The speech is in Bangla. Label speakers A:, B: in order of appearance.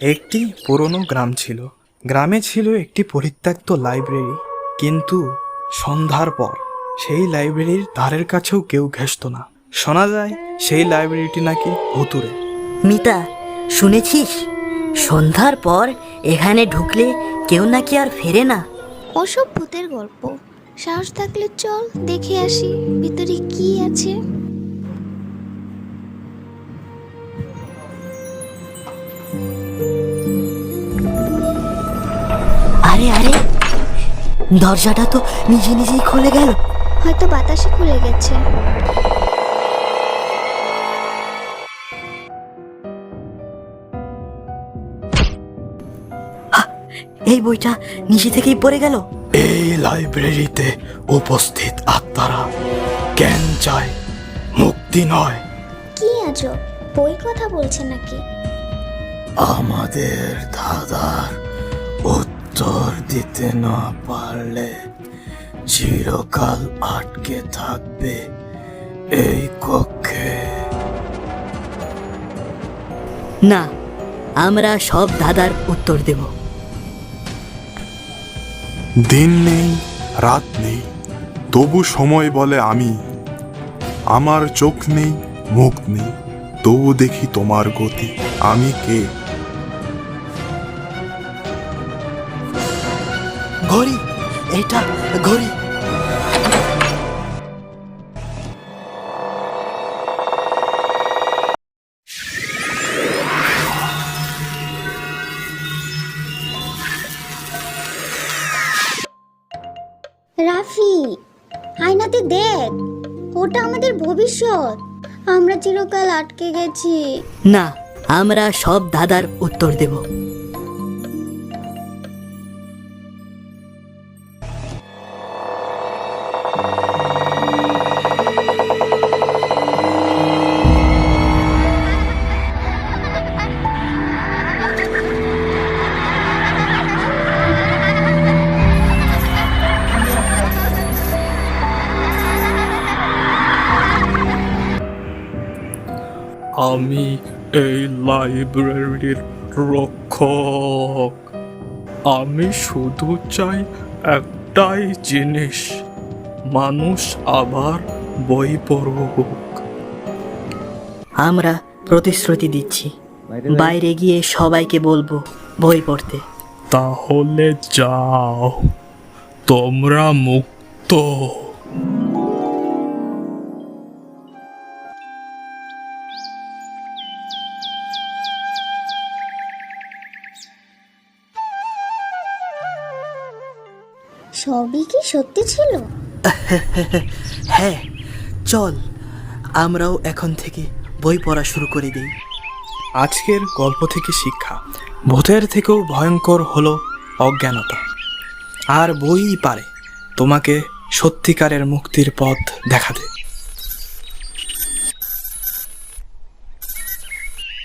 A: একটি পুরনো গ্রাম ছিল। গ্রামে ছিল একটি পরিত্যক্ত লাইব্রেরি, কিন্তু সন্ধ্যার পর সেই লাইব্রেরির ধারের কাছেও কেউ ঘেঁষত না। শোনা যায় সেই লাইব্রেরিটি নাকি ভুতুড়ে।
B: মিতা, শুনেছিস সন্ধ্যার পর এখানে ঢুকলে কেউ নাকি আর ফেরে না?
C: ওসব ভূতের গল্প। সাহস থাকলে চল দেখে আসি ভিতরে কি আছে।
B: আরে আরে, দরজাটা তো নিজে নিজেই খুলে গেল।
C: হয়তো বাতাসে খুলে গেছে।
B: এই বইটা নিজে থেকেই পড়ে গেল।
A: এই লাইব্রেরিতে উপস্থিত আত্মারা জ্ঞান চায়, মুক্তি নয়।
C: কি আজব, বই কথা বলছে নাকি?
A: আমাদের দাদার উত্তর দিতে না পারলে চিরকাল আটকে থাকবে এই কক্ষে।
B: না, আমরা সব দাদার উত্তর দেব।
D: দিন নেই, রাত নেই, তবু সময় বলে আমি। আমার চোখ নেই, মুখ নেই, তবু দেখি তোমার গতি। আমি কে?
B: ঘড়ি, এটা ঘড়ি।
C: রাফি, আয়নাতে দেখ, ওটা আমাদের ভবিষ্যৎ। আমরা চিরকাল আটকে গেছি।
B: না, আমরা সব দাদার উত্তর দেব।
A: আমি এই লাইব্রেরির রক্ষক। আমি শুধু চাই একটাই জিনিস, মানুষ আবার বই পড়ুক।
B: আমরা প্রতিশ্রুতি দিচ্ছি, বাইরে গিয়ে সবাইকে বলবো বই পড়তে।
A: তাহলে যাও, তোমরা মুক্ত।
C: সবই কি সত্যি ছিল?
B: হ্যাঁ, চল আমরাও এখন থেকে বই পড়া শুরু করে দেই।
A: আজকের গল্প থেকে শিক্ষা, ভূতের থেকেও ভয়ঙ্কর হলো অজ্ঞানতা। আর বইই পারে তোমাকে সত্যিকারের মুক্তির পথ দেখাতে।